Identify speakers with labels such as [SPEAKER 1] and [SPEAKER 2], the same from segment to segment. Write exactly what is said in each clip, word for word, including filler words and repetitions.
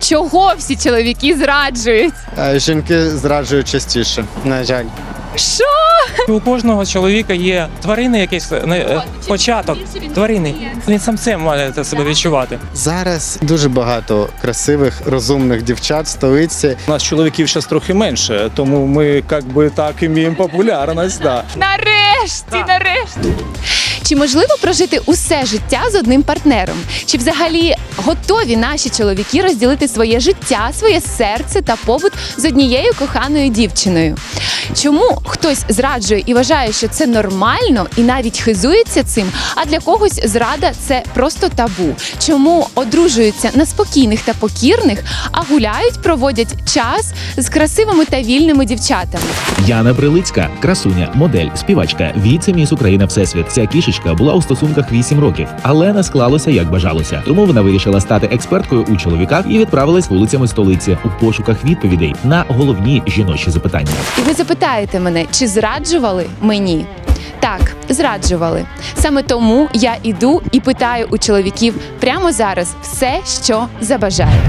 [SPEAKER 1] Чого всі чоловіки зраджують?
[SPEAKER 2] Е, Жінки зраджують частіше, на жаль.
[SPEAKER 1] Що?
[SPEAKER 3] У кожного чоловіка є тварини, якийсь е, початок тварини. Він сам це має це себе відчувати.
[SPEAKER 2] Зараз дуже багато красивих, розумних дівчат в столиці.
[SPEAKER 4] У нас чоловіків зараз трохи менше, тому ми як би так і маємо популярність. Да.
[SPEAKER 1] Нарешті, нарешті. Чи можливо прожити усе життя з одним партнером? Чи взагалі готові наші чоловіки розділити своє життя, своє серце та побут з однією коханою дівчиною? Чому хтось зраджує і вважає, що це нормально і навіть хизується цим, а для когось зрада – це просто табу? Чому одружуються на спокійних та покірних, а гуляють, проводять час з красивими та вільними дівчатами?
[SPEAKER 5] Яна Прилицька, красуня, модель, співачка, віце-міс Україна Всесвіт. Ця кішечка була у стосунках вісім років, але не склалося, як бажалося. Тому вона вирішила стати експерткою у чоловіках і відправилась вулицями столиці у пошуках відповідей на головні жіночі запитання.
[SPEAKER 1] І ви запитаєте мене, чи зраджували мені? Так, зраджували. Саме тому я іду і питаю у чоловіків прямо зараз все, що забажаю.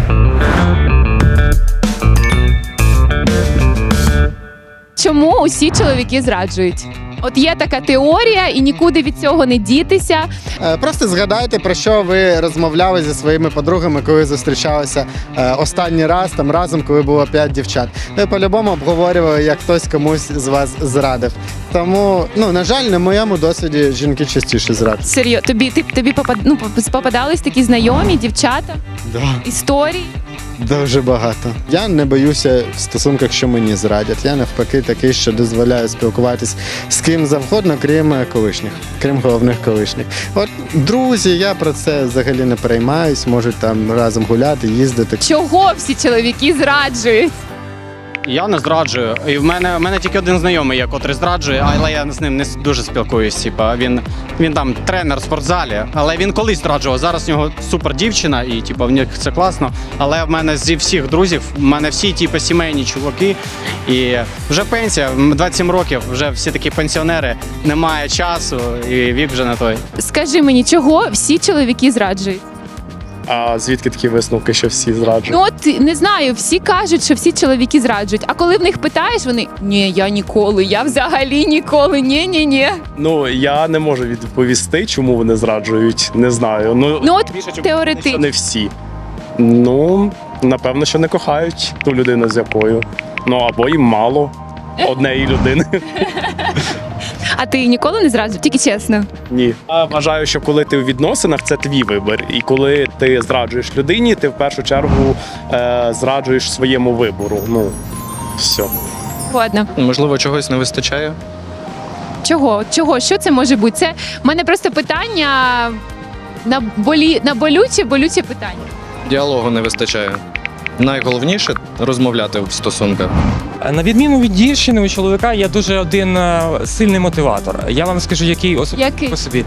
[SPEAKER 1] Чому усі чоловіки зраджують? От є така теорія, і нікуди від цього не дітися.
[SPEAKER 2] Е, Просто згадайте, про що ви розмовляли зі своїми подругами, коли зустрічалися е, останній раз, там разом, коли було п'ять дівчат. Ви по-любому обговорювали, як хтось комусь з вас зрадив. Тому, ну, на жаль, на моєму досвіді жінки частіше зрадять.
[SPEAKER 1] Серйозно, тобі, ти, тобі попад, ну, попадались такі знайомі, дівчата,
[SPEAKER 2] Да.
[SPEAKER 1] історії?
[SPEAKER 2] Дуже багато. Я не боюся в стосунках, що мені зрадять. Я навпаки такий, що дозволяю спілкуватись з ким завгодно, крім колишніх, крім головних колишніх. От друзі, я про це взагалі не переймаюсь, можуть там разом гуляти, їздити.
[SPEAKER 1] Чого всі чоловіки зраджують?
[SPEAKER 6] Я не зраджую. І в мене, в мене тільки один знайомий, є, котрий зраджує, але я з ним не дуже спілкуюсь. Типа, він, він там тренер в спортзалі, але він колись зраджував. Зараз в нього супер дівчина, і типа, в них це класно. Але в мене зі всіх друзів, в мене всі типу, сімейні чуваки. І вже пенсія, двадцять сім років, вже всі такі пенсіонери, немає часу, і вік вже не той.
[SPEAKER 1] Скажи мені, чого всі чоловіки зраджують?
[SPEAKER 7] А звідки такі висновки, що всі зраджують?
[SPEAKER 1] Ну от не знаю, всі кажуть, що всі чоловіки зраджують. А коли в них питаєш, вони ні, я ніколи, я взагалі ніколи, ні, ні, ні.
[SPEAKER 7] Ну я не можу відповісти, чому вони зраджують. Не знаю. Ну,
[SPEAKER 1] Ну от
[SPEAKER 7] більше, чим
[SPEAKER 1] теоретично.
[SPEAKER 7] що не всі. Ну напевно, що не кохають ту людину, з якою. Ну або їм мало однієї людини.
[SPEAKER 1] А ти ніколи не зраджував? Тільки чесно.
[SPEAKER 7] Ні. Я вважаю, що коли ти у відносинах, це твій вибір. І коли ти зраджуєш людині, ти в першу чергу е, зраджуєш своєму вибору. Ну все.
[SPEAKER 1] Ладно.
[SPEAKER 8] Можливо, чогось не вистачає.
[SPEAKER 1] Чого? Чого? Що це може бути? Це в мене просто питання на болі на болюче, болюче питання.
[SPEAKER 8] Діалогу не вистачає. Найголовніше розмовляти в стосунках.
[SPEAKER 3] На відміну від дівчини, у чоловіка є дуже один е, сильний мотиватор. Я вам скажу, який особисто
[SPEAKER 1] Який?
[SPEAKER 3] по собі.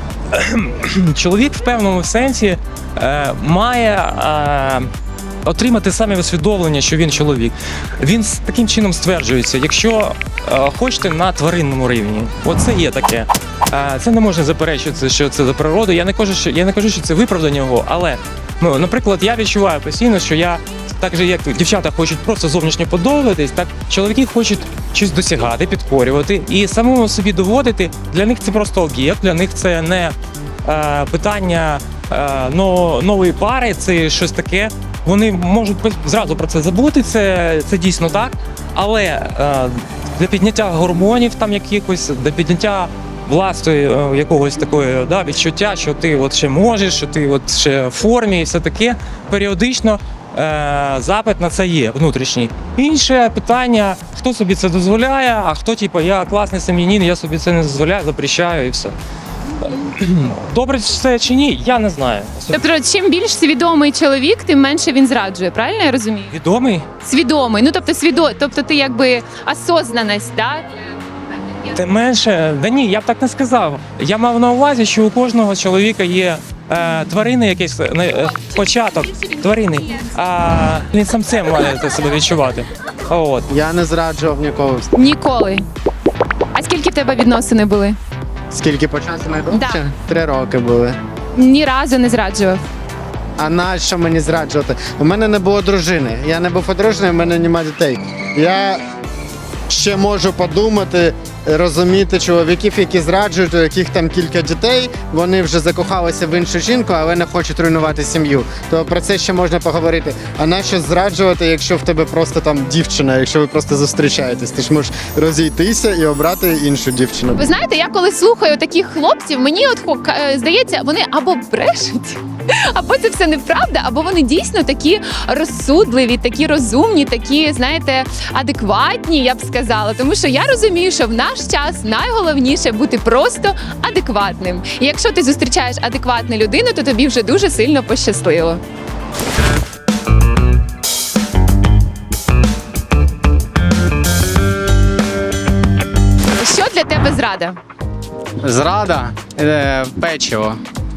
[SPEAKER 3] Чоловік в певному сенсі е, має е, отримати саме усвідомлення, що він чоловік. Він з таким чином стверджується, якщо е, хочете на тваринному рівні. Оце є таке. Е, це не можна заперечувати, що це за природу. Я не кажу, що я не кажу, що це виправдання його, але ну, наприклад, я відчуваю постійно, що я так же, як дівчата хочуть просто зовнішньо подобатись, так чоловіки хочуть щось досягати, підкорювати і самому собі доводити. Для них це просто об'єкт, для них це не е, питання е, но, нової пари, це щось таке. Вони можуть зразу про це забути, це, це дійсно так. Але е, для підняття гормонів там якихось, для підняття власної е, якогось такої да, відчуття, що ти от ще можеш, що ти от ще в формі і все таке, періодично е, запит на це є внутрішній. Інше питання, хто собі це дозволяє, а хто типу, я класний сім'янин, я собі це не дозволяю, запрещаю і все. Добре це чи ні, я не знаю.
[SPEAKER 1] Тобто, чим більш свідомий чоловік, тим менше він зраджує, правильно я розумію?
[SPEAKER 3] Відомий?
[SPEAKER 1] Свідомий, ну тобто свідо, тобто ти якби осознаність, так?
[SPEAKER 3] Тим менше, да ні, я б так не сказав. Я мав на увазі, що у кожного чоловіка є е, тварини, якийсь е, початок тварини, а він сам це має це себе відчувати. От.
[SPEAKER 2] Я не зраджував ніколи.
[SPEAKER 1] Ніколи. А скільки в тебе відносини були?
[SPEAKER 2] Скільки по часу найдовше?
[SPEAKER 1] Да.
[SPEAKER 2] Три роки були.
[SPEAKER 1] Ні разу не зраджував.
[SPEAKER 2] а нащо мені зраджувати? У мене не було дружини, я не був одружений, у мене немає дітей. Я ще можу подумати, розуміти чоловіків, які зраджують, у яких там кілька дітей, вони вже закохалися в іншу жінку, але не хочуть руйнувати сім'ю. То про це ще можна поговорити. А нащо зраджувати, якщо в тебе просто там дівчина, якщо ви просто зустрічаєтесь? Ти ж можеш розійтися і обрати іншу дівчину.
[SPEAKER 1] Ви знаєте, я коли слухаю таких хлопців, мені от хо- ка- е, здається, вони або брешуть, або це все неправда, або вони дійсно такі розсудливі, такі розумні, такі, знаєте, адекватні, я б сказала. Тому що я розумію, що в наш час найголовніше бути просто адекватним. І якщо ти зустрічаєш адекватну людину, то тобі вже дуже сильно пощастило. Що для тебе зрада?
[SPEAKER 6] Зрада, е, печиво.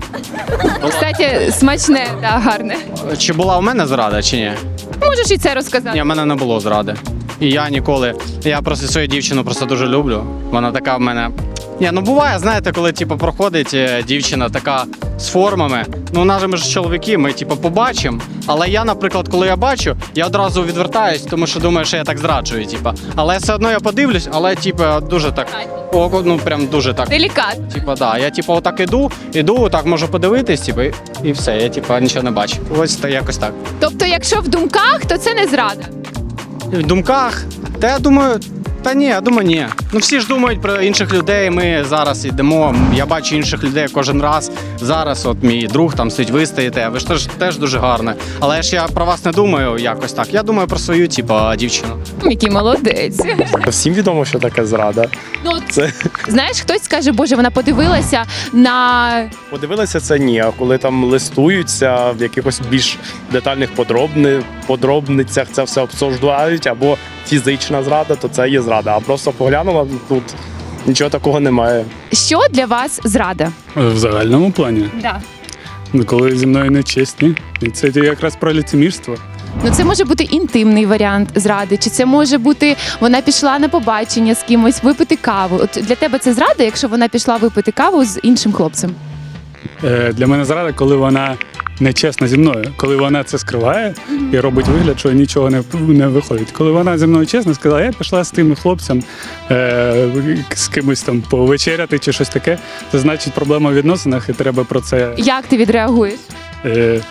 [SPEAKER 1] Кстати, смачне та гарне.
[SPEAKER 6] Чи була у мене зрада, чи ні?
[SPEAKER 1] Можеш і це розказати.
[SPEAKER 6] Ні, в мене не було зради. І я ніколи. Я просто свою дівчину просто дуже люблю. Вона така в мене. Ні, ну буває, знаєте, коли типу, проходить е, дівчина така з формами. Ну, у нас же ми ж чоловіки, ми типу, побачимо. Але я, наприклад, коли я бачу, я одразу відвертаюсь, тому що думаю, що я так зраджую. Типу. Але все одно я подивлюсь, але типу, дуже так. О, ну прям дуже так.
[SPEAKER 1] Делікатно.
[SPEAKER 6] Типа, да, я типу отак іду, іду, так можу подивитись, типу, і- і все, я типу нічого не бачу. Ось та якось так.
[SPEAKER 1] Тобто, якщо в думках, то це не зрада.
[SPEAKER 6] В думках, та я думаю, та ні, я думаю, ні. Ну всі ж думають про інших людей. Ми зараз йдемо. Я бачу інших людей кожен раз. Зараз, от мій друг там сидить, ви стоїте. Ви ж теж, теж дуже гарне. Але ж я про вас не думаю якось так. Я думаю про свою, типу, дівчину.
[SPEAKER 1] Який молодець.
[SPEAKER 7] Всім відомо, що таке зрада.
[SPEAKER 1] Ну, от,
[SPEAKER 7] Це
[SPEAKER 1] знаєш, хтось скаже, боже, вона подивилася на
[SPEAKER 7] подивилися це ні. А коли там листуються в якихось більш детальних подробни, подробницях, це все обсуждають, або фізична зрада, то це є зрада. А просто поглянула, тут нічого такого немає.
[SPEAKER 1] що для вас зрада?
[SPEAKER 9] В загальному плані,
[SPEAKER 1] Да.
[SPEAKER 9] ну, коли зі мною не чесні, і це якраз про лицемірство.
[SPEAKER 1] Ну, це може бути інтимний варіант зради, чи це може бути вона пішла на побачення з кимось випити каву. От для тебе це зрада, якщо вона пішла випити каву з іншим хлопцем?
[SPEAKER 9] Е, для мене зрада, коли вона не чесна зі мною, коли вона це скриває і робить вигляд, що нічого не, не виходить. Коли вона зі мною чесно сказала, я пішла з тим хлопцем е, з кимось там повечеряти чи щось таке, це значить проблема в відносинах, і треба про це.
[SPEAKER 1] Як ти відреагуєш?
[SPEAKER 9] Е,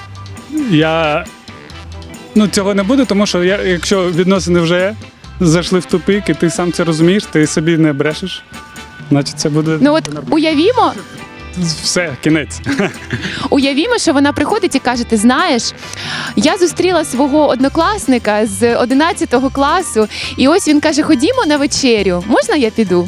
[SPEAKER 9] я ну, цього не буде, тому що я, якщо відносини вже зайшли в тупик, і ти сам це розумієш, ти собі не брешеш, значить це буде
[SPEAKER 1] Ну от уявімо,
[SPEAKER 9] все, кінець.
[SPEAKER 1] Уявімо, що вона приходить і каже: ти знаєш, я зустріла свого однокласника з одинадцятого класу, і ось він каже: ходімо на вечерю. Можна я піду?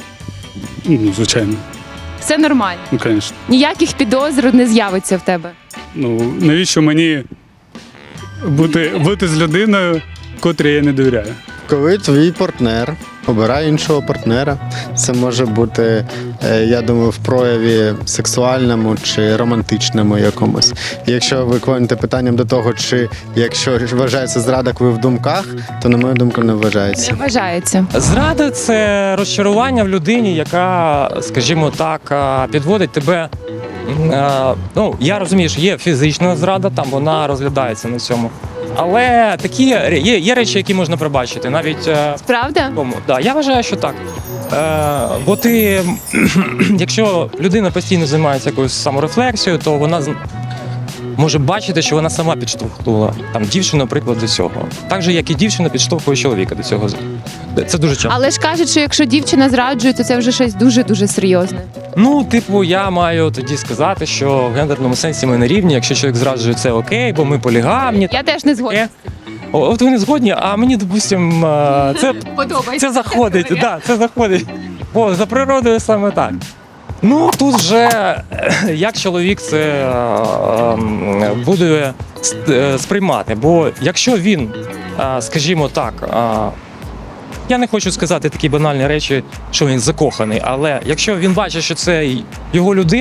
[SPEAKER 9] Ну, звичайно,
[SPEAKER 1] Все нормально.
[SPEAKER 9] ну, звісно.
[SPEAKER 1] Ніяких підозр не з'явиться в тебе.
[SPEAKER 9] Ну, навіщо мені бути, бути з людиною, котрій я не довіряю?
[SPEAKER 2] Коли твій партнер обирає іншого партнера, це може бути, е, я думаю, в прояві сексуальному чи романтичному якомусь. І якщо ви клоните питанням до того, чи якщо вважається зрада, коли в думках, то на мою думку не вважається.
[SPEAKER 1] Не вважається.
[SPEAKER 3] Зрада це розчарування в людині, яка, скажімо так, а, підводить тебе. а, Ну, я розумію, що є фізична зрада, там вона розглядається на цьому. Але такі є, є речі, які можна пробачити. Навіть е,
[SPEAKER 1] Правда?
[SPEAKER 3] тому, да, я вважаю, що так. Е, бо ти, якщо людина постійно займається якоюсь саморефлексією, то вона з- може бачити, що вона сама підштовхнула там дівчину, наприклад, до цього. Так же, як і дівчина підштовхує чоловіка до цього. Це дуже часто.
[SPEAKER 1] Але ж кажуть, що якщо дівчина зраджує, то це вже щось дуже-дуже серйозне.
[SPEAKER 3] Ну, типу, я маю тоді сказати, що в гендерному сенсі ми не рівні. Якщо чоловік зраджує, це окей, бо ми полігамні.
[SPEAKER 1] Я теж не згодна.
[SPEAKER 3] Е, о, От ви не згодні, а мені, допустим, е, це
[SPEAKER 1] Подобається.
[SPEAKER 3] Це заходить, так, да, це заходить. Бо за природою саме так. Ну, тут вже е, як чоловік це е, е, буде с- е, сприймати. Бо якщо він, е, скажімо так, е, я не хочу сказати такі банальні речі, що він закоханий, але якщо він бачить, що це його людина,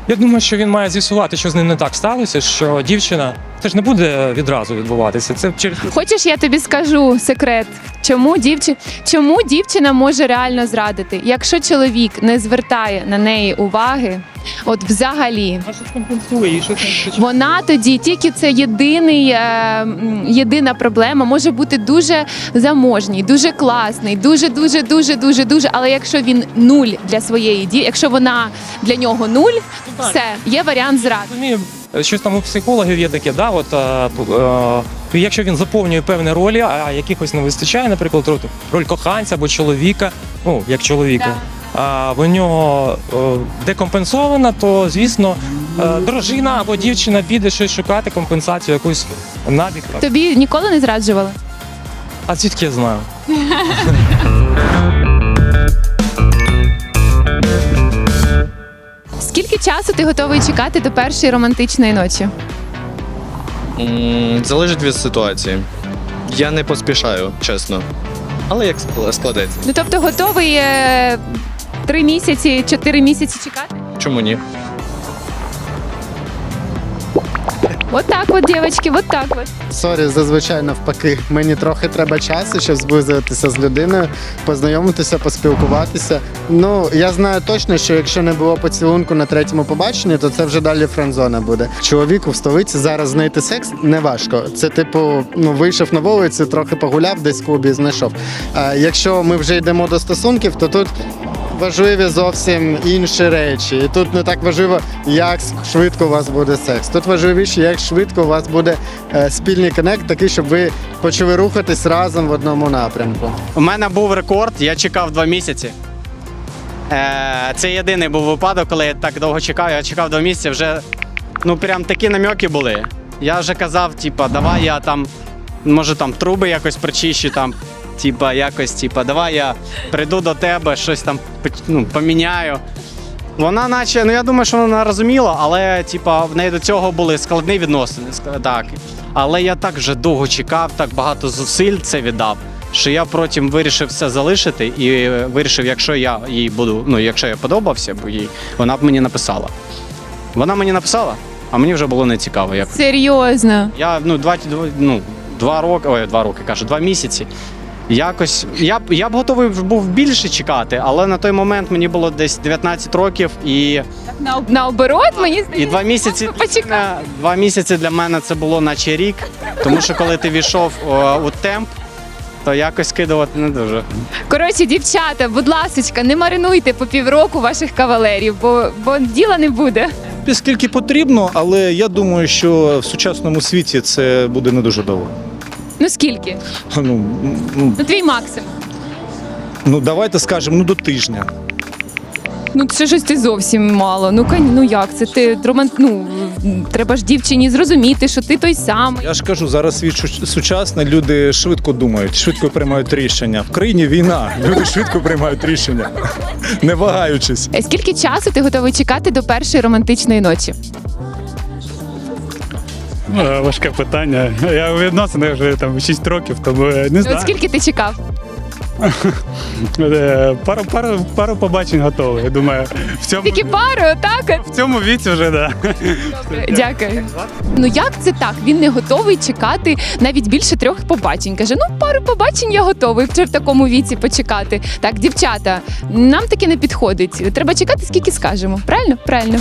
[SPEAKER 3] Я думаю, що він має з'ясувати, що з ним не так сталося, що дівчина. Це ж не буде відразу відбуватися. Це через
[SPEAKER 1] Хочеш, я тобі скажу секрет, чому дівчина, чому дівчина може реально зрадити? Якщо чоловік не звертає на неї уваги, от взагалі,
[SPEAKER 3] щось компенсує і щось.
[SPEAKER 1] вона тоді тільки це єдиний, е, м, єдина проблема, може бути дуже заможній, дуже класний, дуже, дуже, дуже, дуже, дуже. Але якщо він нуль для своєї дії, якщо вона для нього нуль, все, є варіант зради.
[SPEAKER 3] Розумію, щось там у психологів є таке, да, от, е, е, якщо він заповнює певні ролі, а якихось не вистачає, наприклад, роль, роль коханця або чоловіка, ну, як чоловіка, а в нього е, декомпенсована, то, звісно, е, дружина або дівчина піде щось шукати компенсацію, якусь набіг.
[SPEAKER 1] Тобі ніколи не зраджували?
[SPEAKER 3] А звідки я знаю?
[SPEAKER 1] Скільки часу ти готовий чекати до першої романтичної ночі?
[SPEAKER 8] М, Залежить від ситуації. Я не поспішаю, чесно. Але як ск- складеться.
[SPEAKER 1] Ну тобто готовий е, три місяці, чотири місяці чекати?
[SPEAKER 8] Чому ні?
[SPEAKER 1] От так от, дівчатки, от так от.
[SPEAKER 2] Сорі, зазвичай навпаки. Мені трохи треба часу, щоб зблизитися з людиною, познайомитися, поспілкуватися. Ну, я знаю точно, що якщо не було поцілунку на третьому побаченні, то це вже далі френдзона буде. Чоловіку в столиці зараз знайти секс не важко. Це типу, ну вийшов на вулицю, трохи погуляв, десь в клубі знайшов. А якщо ми вже йдемо до стосунків, то тут важливі зовсім інші речі. І тут не так важливо, як швидко у вас буде секс. Тут важливіше, як швидко у вас буде е, спільний коннект, такий, щоб ви почали рухатись разом в одному напрямку.
[SPEAKER 6] У мене був рекорд, я чекав два місяці. Е, Це єдиний був випадок, коли я так довго чекав. Я чекав два місяці, вже ну прям такі намеки були. Я вже казав, типа, давай я там, може там труби якось причищу, там, типа, якось, типа, давай я прийду до тебе, щось там ну, поміняю. Вона наче, ну я думаю, що вона розуміла, але типа, в неї до цього були складні відносини. ск- Так. Але я так вже довго чекав, так багато зусиль це віддав, що я потім вирішив все залишити і вирішив, якщо я їй буду, ну якщо я подобався, бо їй, вона б мені написала. Вона мені написала, а мені вже було не цікаво. Як...
[SPEAKER 1] Серйозно.
[SPEAKER 6] Я ну, два, ну, два роки, ой, два роки, кажу, два місяці. Якось я б я б готовий був більше чекати, але на той момент мені було десь дев'ятнадцять років і,
[SPEAKER 1] Так на, наоборот, мені здається.
[SPEAKER 6] і два місяці
[SPEAKER 1] Почекай.
[SPEAKER 6] для, два місяці для мене це було наче рік. Тому що коли ти війшов о, у темп, то якось скидувати не дуже.
[SPEAKER 1] Коротше, дівчата, будь ласочка, не маринуйте по півроку ваших кавалерів, бо, бо діла не буде.
[SPEAKER 4] Скільки потрібно, але я думаю, що в сучасному світі це буде не дуже довго.
[SPEAKER 1] Ну скільки?
[SPEAKER 4] Ну, ну,
[SPEAKER 1] Ну твій максимум.
[SPEAKER 4] ну давайте скажемо, ну до тижня.
[SPEAKER 1] Ну це щось ти зовсім мало. Ну кань, ну як це ти роман... ну, треба ж дівчині зрозуміти, що ти той самий.
[SPEAKER 4] Я ж кажу, зараз світ шу- сучасний, люди швидко думають, швидко приймають рішення. В країні війна, люди швидко приймають рішення, не вагаючись.
[SPEAKER 1] Е, Скільки часу ти готовий чекати до першої романтичної ночі?
[SPEAKER 9] Е, Важке питання. Я у відносинах вже там шість років, тому е, не
[SPEAKER 1] Ну,
[SPEAKER 9] знаю.
[SPEAKER 1] от скільки ти чекав?
[SPEAKER 9] Е, Пару, пару, пару побачень готовий. Я думаю, в цьому,
[SPEAKER 1] Тільки пару, так?
[SPEAKER 9] в цьому віці вже да.
[SPEAKER 1] Дякую. Ну як це так? Він не готовий чекати навіть більше трьох побачень. Каже, ну пару побачень я готовий вже в такому віці почекати. Так, дівчата, нам таке не підходить. Треба чекати, скільки скажемо. Правильно? Правильно.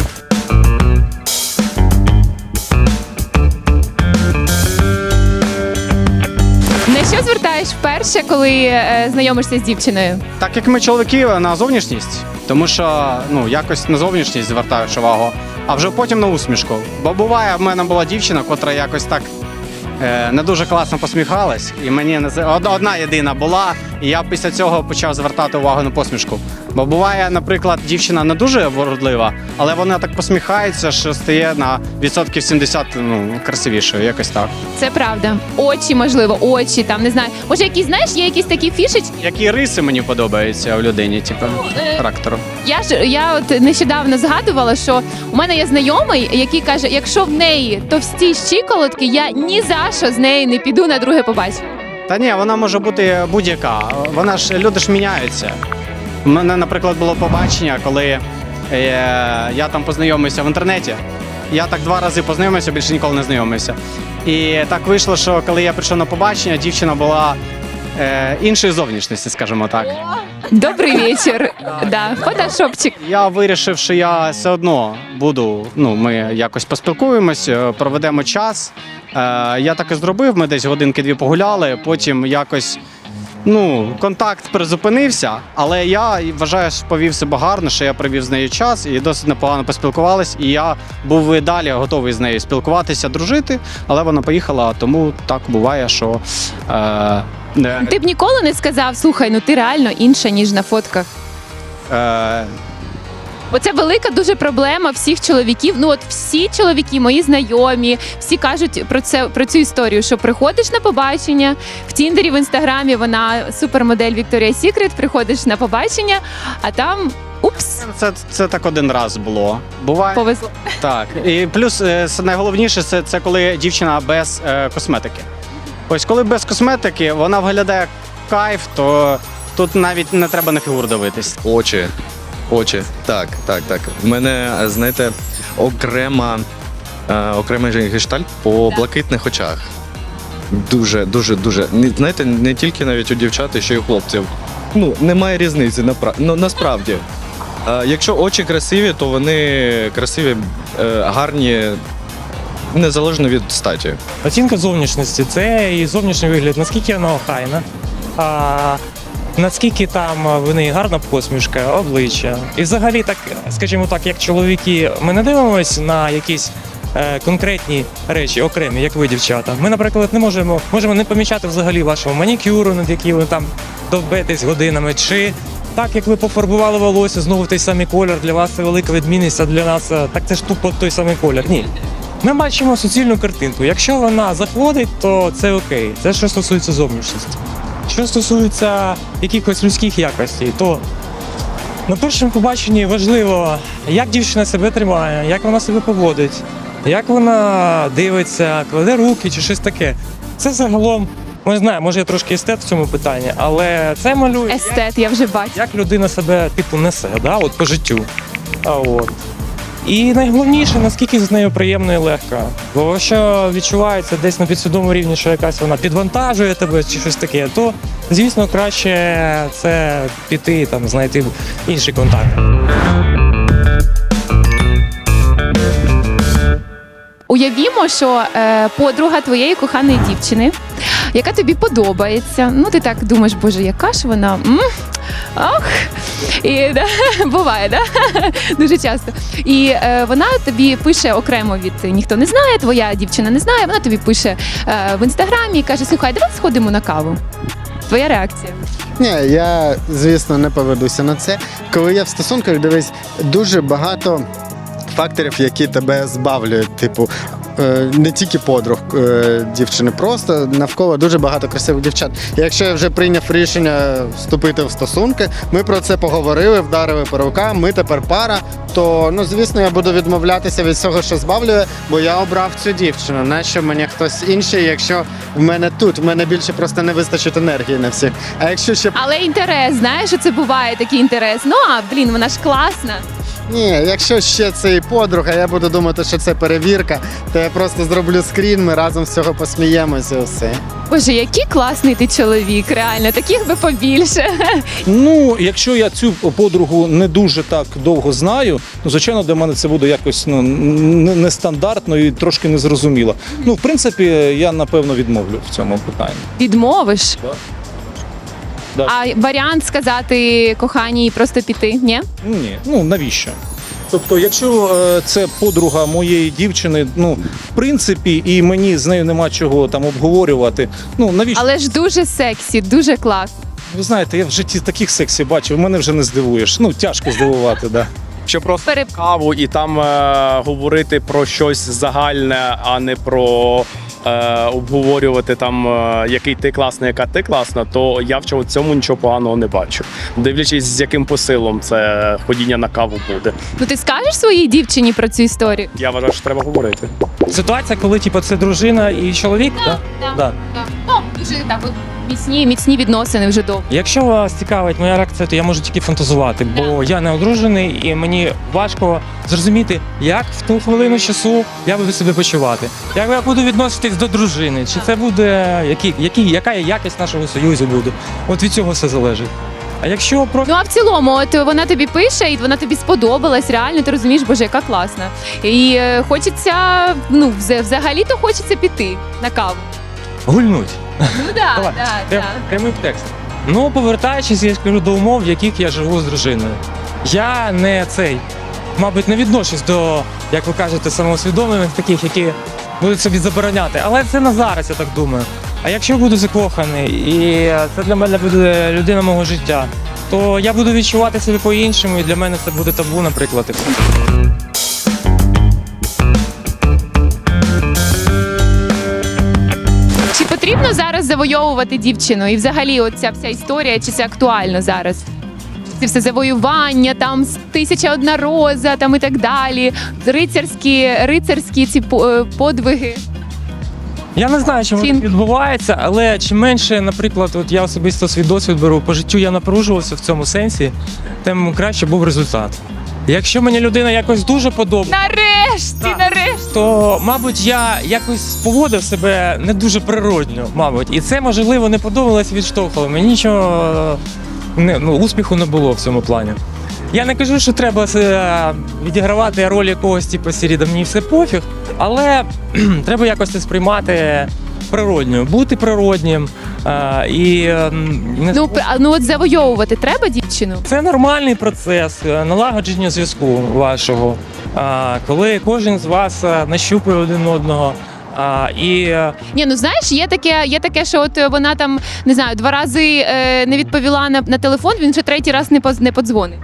[SPEAKER 1] На що звертаєш вперше, коли е, знайомишся з дівчиною?
[SPEAKER 6] Так як ми чоловіки на зовнішність, тому що ну якось на зовнішність звертаєш увагу, а вже потім на усмішку. Бо буває, в мене була дівчина, котра якось так е, не дуже класно посміхалась, і мені не з- од- одна єдина була, і я після цього почав звертати увагу на посмішку. Бо буває, наприклад, дівчина не дуже вродлива, але вона так посміхається, що стає на відсотків сімдесят ну, красивішою, якось так.
[SPEAKER 1] Це правда. Очі, можливо, очі, там не знаю. Може, якісь, знаєш, є якісь такі фішечки.
[SPEAKER 6] Які риси мені подобаються в людині, типу,
[SPEAKER 1] е,
[SPEAKER 6] характеру.
[SPEAKER 1] Я ж я от нещодавно згадувала, що у мене є знайомий, який каже, якщо в неї товсті щиколотки, я ні за що з нею не піду на друге побачення.
[SPEAKER 6] Та ні, вона може бути будь-яка. Вона ж люди ж міняються. У мене, наприклад, було побачення, коли Е, я там познайомився в інтернеті. Я так два рази познайомився, більше ніколи не знайомився. І так вийшло, що коли я прийшов на побачення, дівчина була е, іншої зовнішності, скажімо так.
[SPEAKER 1] Добрий вечір. Да, фотошопчик.
[SPEAKER 6] Я вирішив, що я все одно буду, ну, ми якось поспілкуємось, е, проведемо час. Е, я так і зробив, ми десь годинки-дві погуляли, потім якось, ну, контакт призупинився, але я вважаю, що повів себе гарно, що я провів з нею час і досить непогано поспілкувались, і я був і далі готовий з нею спілкуватися, дружити, але вона поїхала, тому так буває, що... Е, не,
[SPEAKER 1] Ти б ніколи не сказав, слухай, ну ти реально інша, ніж на фотках.
[SPEAKER 6] е,
[SPEAKER 1] Бо це велика дуже проблема всіх чоловіків. Ну от всі чоловіки, мої знайомі, всі кажуть про це про цю історію, що приходиш на побачення в Тіндері, в інстаграмі вона супермодель Victoria's Secret, приходиш на побачення, а там упс,
[SPEAKER 6] це, це так один раз було. Буває.
[SPEAKER 1] повезло.
[SPEAKER 6] Так. І плюс е, с- найголовніше це, це коли дівчина без е, косметики. Ось коли без косметики вона виглядає кайф, то тут навіть не треба на фігуру дивитись.
[SPEAKER 8] Очі. Очі. Так, так, так. В мене, знаєте, окрема, е, окремий гештальт по блакитних очах. Дуже, дуже, дуже. Не- Знаєте, не тільки навіть у дівчат, і ще й у хлопців. Ну, немає різниці, напра... ну, насправді. Е, якщо очі красиві, то вони красиві, е, гарні, незалежно від статі.
[SPEAKER 3] Оцінка зовнішності це і зовнішній вигляд, наскільки вона охайна, а наскільки там в неї гарна посмішка, обличчя. І взагалі, так, скажімо так, як чоловіки, ми не дивимося на якісь е, конкретні речі, окремі, як ви, дівчата. Ми, наприклад, не можемо, можемо не помічати взагалі вашого манікюру, над яким ви там довбетесь годинами, чи так, як ви пофарбували волосся, знову той самий колір, для вас це велика відмінність, а для нас е, так це ж тупо той самий колір. Ні. Ми бачимо суцільну картинку. Якщо вона заходить, то це окей. Це що стосується зовнішності. Що стосується якихось людських якостей, то на першому побаченні важливо, як дівчина себе тримає, як вона себе поводить, як вона дивиться, кладе руки чи щось таке. Це загалом, ми знаємо, може я трошки естет в цьому питанні, але це малює,
[SPEAKER 1] Естет, я вже бачу.
[SPEAKER 3] як людина себе типу несе, да, от по життю. А от. І найголовніше, наскільки з нею приємно і легко. Бо якщо відчувається десь на підсвідомому рівні, що якась вона підвантажує тебе чи щось таке, то, звісно, краще це піти, там, знайти інший контакт.
[SPEAKER 1] Уявімо, що е, подруга твоєї коханої дівчини, яка тобі подобається. Ну, ти так думаєш, боже, яка ж вона? М? Ох. І да, буває, да? Дуже часто. І е, вона тобі пише окремо від ніхто не знає, твоя дівчина не знає, вона тобі пише е, в інстаграмі і каже: слухай, давай сходимо на каву. Твоя реакція?
[SPEAKER 2] Ні, я, звісно, не поведуся на це. Коли я в стосунках, дивись, дуже багато факторів, які тебе збавлюють. Типу, е, не тільки подруг е, дівчини, просто навколо дуже багато красивих дівчат. І якщо я вже прийняв рішення вступити в стосунки, ми про це поговорили, вдарили по рукам, ми тепер пара, то, ну, звісно, я буду відмовлятися від всього, що збавлює, бо я обрав цю дівчину. Нащо мені хтось інший, якщо в мене тут, в мене більше просто не вистачить енергії на всіх. А якщо ще
[SPEAKER 1] Але інтерес, знаєш, що це буває такий інтерес. Ну, а, блін, вона ж класна.
[SPEAKER 2] Ні, якщо ще це і подруга, я буду думати, що це перевірка, то я просто зроблю скрін, ми разом з цього посміємося і все.
[SPEAKER 1] Боже, який класний ти чоловік, реально, таких би побільше.
[SPEAKER 4] Ну, якщо я цю подругу не дуже так довго знаю, ну, звичайно, для мене це буде якось, ну, н- нестандартно і трошки незрозуміло. Ну, в принципі, я, напевно, відмовлю в цьому питанні.
[SPEAKER 1] Відмовиш?
[SPEAKER 4] Да. Да.
[SPEAKER 1] А варіант сказати коханій просто піти, ні?
[SPEAKER 4] Ні, ну навіщо? Тобто, якщо е, це подруга моєї дівчини, ну, в принципі, і мені з нею нема чого там обговорювати, ну, навіщо?
[SPEAKER 1] Але ж дуже сексі, дуже класно.
[SPEAKER 4] Ви знаєте, я в житті таких сексів бачив, мене вже не здивуєш. Ну, тяжко здивувати, да.
[SPEAKER 7] Що просто
[SPEAKER 1] Пере...
[SPEAKER 7] каву і там е, говорити про щось загальне, а не про е, обговорювати там, е, який ти класний, яка ти класна, то я в чому- цьому нічого поганого не бачу. Дивлячись, з яким посилом це ходіння на каву буде.
[SPEAKER 1] Ну ти скажеш своїй дівчині про цю історію?
[SPEAKER 7] Я вважаю, що треба говорити.
[SPEAKER 3] Ситуація, коли типу, це дружина і чоловік, да?
[SPEAKER 1] Да.
[SPEAKER 3] Да.
[SPEAKER 1] Ну, Дуже так от міцні, міцні відносини вже довго.
[SPEAKER 3] Якщо вас цікавить моя реакція, то я можу тільки фантазувати, бо я не одружений і мені важко зрозуміти, як в ту хвилину часу я буду себе почувати. Як я буду відноситись до дружини, чи це буде, які, які, яка якість нашого союзу буде. От від цього все залежить. А якщо про
[SPEAKER 1] Ну а в цілому, от вона тобі пише, і вона тобі сподобалась, реально, ти розумієш, боже, яка класна. І е, хочеться, ну, вз- взагалі-то хочеться піти на каву.
[SPEAKER 3] гульнуть.
[SPEAKER 1] Ну так,
[SPEAKER 3] Давай,
[SPEAKER 1] так,
[SPEAKER 3] прям-
[SPEAKER 1] так.
[SPEAKER 3] прямий текст. Ну, повертаючись, я скажу до умов, в яких я живу з дружиною. Я не цей, мабуть, не відношусь до, як ви кажете, самоусвідомлених таких, які будуть собі забороняти. Але це на зараз, я так думаю. А якщо буду закоханий, і це для мене буде людина мого життя, то я буду відчувати себе по-іншому, і для мене це буде табу, наприклад. і все.
[SPEAKER 1] Чи потрібно зараз завойовувати дівчину? І взагалі оця вся історія, чи це актуально зараз? Це все завоювання, там тисяча одна роза, там і так далі, рицарські, рицарські ці по- е, подвиги.
[SPEAKER 3] Я не знаю, чим
[SPEAKER 1] Фін.
[SPEAKER 3] воно відбувається, але чим менше, наприклад, от я особисто свій досвід беру, по життю я напружувався в цьому сенсі, тим краще був результат. Якщо мені людина якось дуже подобається,
[SPEAKER 1] Нарешті,
[SPEAKER 3] Так.
[SPEAKER 1] нарешті.
[SPEAKER 3] то, мабуть, я якось поводив себе не дуже природньо, мабуть. І це, можливо, не подобалось, відштовхувало. Мені нічого не, ну, успіху не було в цьому плані. Я не кажу, що треба е, відігравати роль якогось типу сіріда, мені все пофіг, але треба якось це сприймати природньо, бути природнім. Е, і, е, не
[SPEAKER 1] Ну, пр- а, ну от завойовувати треба дівчину?
[SPEAKER 3] це нормальний процес е, налагодження зв'язку вашого, е, коли кожен з вас е, нащупує один одного. А, і е,
[SPEAKER 1] Ні, ну знаєш, є таке, є таке, що от вона там не знаю, два рази е, не відповіла на, на телефон, він вже третій раз не поз, не подзвонить.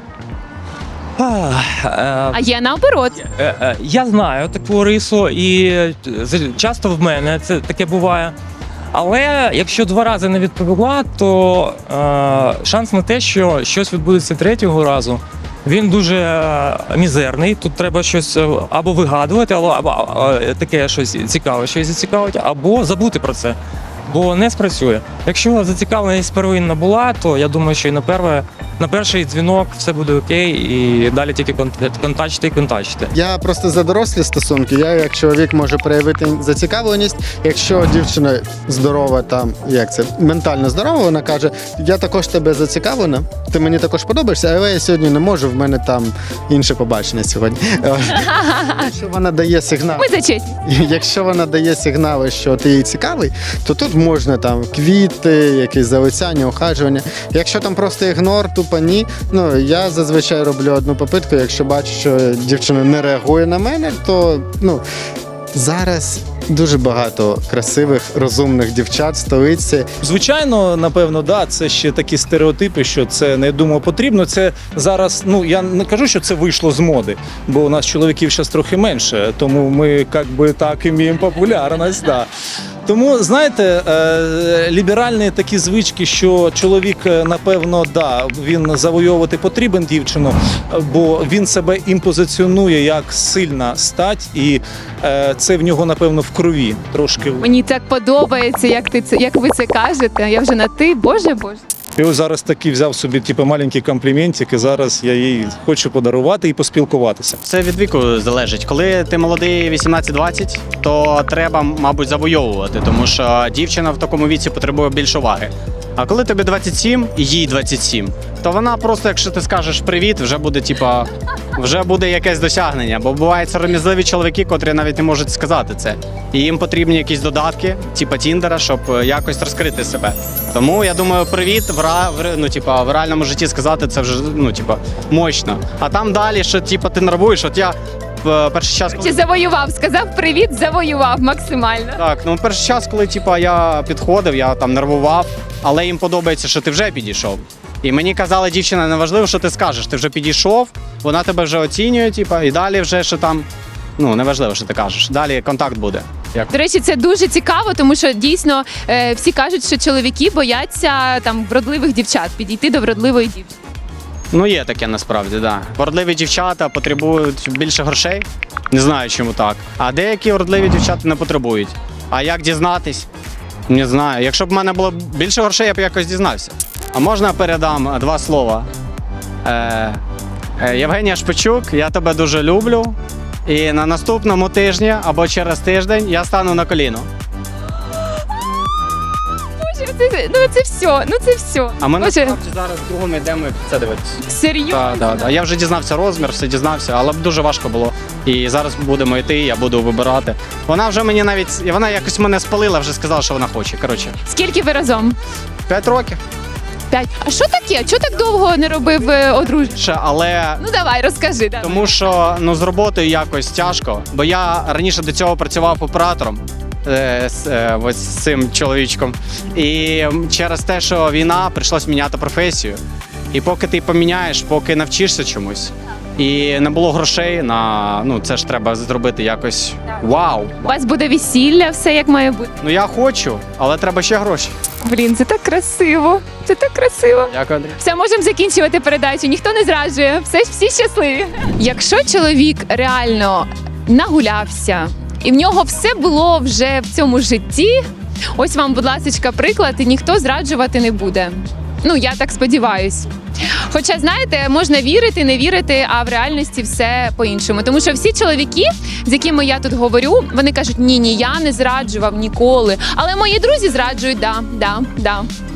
[SPEAKER 3] а, е,
[SPEAKER 1] А є наоборот.
[SPEAKER 3] Е, е, Я знаю таку рису, і е, з- часто в мене це таке буває. Але якщо два рази не відповіла, то е, шанс на те, що щось відбудеться третього разу, він дуже е, мізерний. Тут треба щось е, або вигадувати, або, або е, таке щось цікаве, щось зацікавить, або забути про це. Бо не спрацює. Якщо зацікавленість первинна була, то я думаю, що і на перше, на перший дзвінок все буде окей, і далі тільки кон- контачити і контачити.
[SPEAKER 2] Я просто за дорослі стосунки. Я як чоловік можу проявити зацікавленість. Якщо дівчина здорова, там як це ментально здорова, вона каже: я також тебе зацікавлена, ти мені також подобаєшся, але я сьогодні не можу. В мене там інше побачення сьогодні. Якщо вона дає сигнал,
[SPEAKER 1] Ми за честь.
[SPEAKER 2] якщо вона дає сигнали, що ти їй цікавий, то тут можна там квіти, якісь залицяння, ухажування. Якщо там просто ігнор, тупо ні. Ну я зазвичай роблю одну попитку. Якщо бачу, що дівчина не реагує на мене, то ну зараз дуже багато красивих, розумних дівчат в столиці.
[SPEAKER 4] Звичайно, напевно, да, це ще такі стереотипи, що це не думаю потрібно. Це зараз, ну я не кажу, що це вийшло з моди, бо у нас чоловіків зараз трохи менше, тому ми як би так іміємо популярність. Да. Тому, знаєте, е, ліберальні такі звички, що чоловік, е, напевно, да, він завойовувати потрібен дівчину, бо він себе імпозиціонує як сильна стать, і е, це в нього, напевно, в крові трошки.
[SPEAKER 1] Мені так подобається, як ти це, як ви це кажете. Я вже на ти, боже боже.
[SPEAKER 4] І ось зараз такий взяв собі типу, маленький компліментик, і зараз я їй хочу подарувати і поспілкуватися.
[SPEAKER 6] Це від віку залежить. Коли ти молодий вісімнадцять-двадцять, то треба, мабуть, завойовувати, тому що дівчина в такому віці потребує більше уваги. А коли тобі двадцять сім і їй двадцять сім, то вона просто, якщо ти скажеш привіт, вже буде типа, вже буде якесь досягнення. Бо бувають сором'язливі чоловіки, котрі навіть не можуть сказати це. І їм потрібні якісь додатки, типа Тіндера, щоб якось розкрити себе. Тому я думаю, привіт в ра... в ре- ну, типа, в реальному житті сказати це вже ну, типа, мощно. А там далі, що типа ти нервуєш, от я в перший час.
[SPEAKER 1] Чи завоював? Сказав привіт, завоював максимально.
[SPEAKER 6] Так, ну перший час, коли типа я підходив, я там нервував, але їм подобається, що ти вже підійшов. І мені казали, дівчина, не важливо, що ти скажеш, ти вже підійшов, вона тебе вже оцінює, типа, і далі вже що там. Ну, не важливо, що ти кажеш. Далі контакт буде. Як
[SPEAKER 1] До речі, це дуже цікаво, тому що дійсно е, всі кажуть, що чоловіки бояться там вродливих дівчат, підійти до вродливої дівчини.
[SPEAKER 6] ну є таке насправді, да. Вродливі дівчата потребують більше грошей. Не знаю, чому так. А деякі вродливі дівчата не потребують. А як дізнатись? Не знаю. Якщо б в мене було більше грошей, я б якось дізнався. А можна передам два слова? Е, е, Євгенія Шпичук, я тебе дуже люблю. І на наступному тижні або через тиждень я стану на коліно.
[SPEAKER 1] Боже, це, ну це все, ну це все.
[SPEAKER 6] А ми
[SPEAKER 1] Боже,
[SPEAKER 6] насправді зараз в другому йдемо це дивитися.
[SPEAKER 1] серйозно?
[SPEAKER 6] Так, так, так. Я вже дізнався розмір, все дізнався, але б дуже важко було. І зараз будемо йти, я буду вибирати. Вона вже мені навіть, вона якось мене спалила, вже сказала, що вона хоче. Коротше,
[SPEAKER 1] Скільки ви разом?
[SPEAKER 6] п'ять років.
[SPEAKER 1] П'ять. А що таке? Чого так довго не робив е, одруження?
[SPEAKER 6] Ще, але
[SPEAKER 1] Ну давай, розкажи. Давай.
[SPEAKER 6] тому що ну, з роботою якось тяжко, бо я раніше до цього працював оператором е, з, е, ось з цим чоловічком. І через те, що війна, прийшлось міняти професію. І поки ти поміняєш, поки навчишся чомусь, і не було грошей на ну це ж треба зробити якось вау.
[SPEAKER 1] У вас буде весілля, все як має бути.
[SPEAKER 6] Ну я хочу, але треба ще гроші.
[SPEAKER 1] Блін, це так красиво. Це так красиво.
[SPEAKER 6] Дякую, Андрій.
[SPEAKER 1] Все, можемо закінчувати передачу. Ніхто не зраджує. Все, всі щасливі. Якщо чоловік реально нагулявся, і в нього все було вже в цьому житті, ось вам, будь ласка, приклад, і ніхто зраджувати не буде. Ну, я так сподіваюсь. Хоча, знаєте, можна вірити, не вірити, а в реальності все по-іншому. Тому що всі чоловіки, з якими я тут говорю, вони кажуть, ні, ні, я не зраджував ніколи. Але мої друзі зраджують, да, да, да.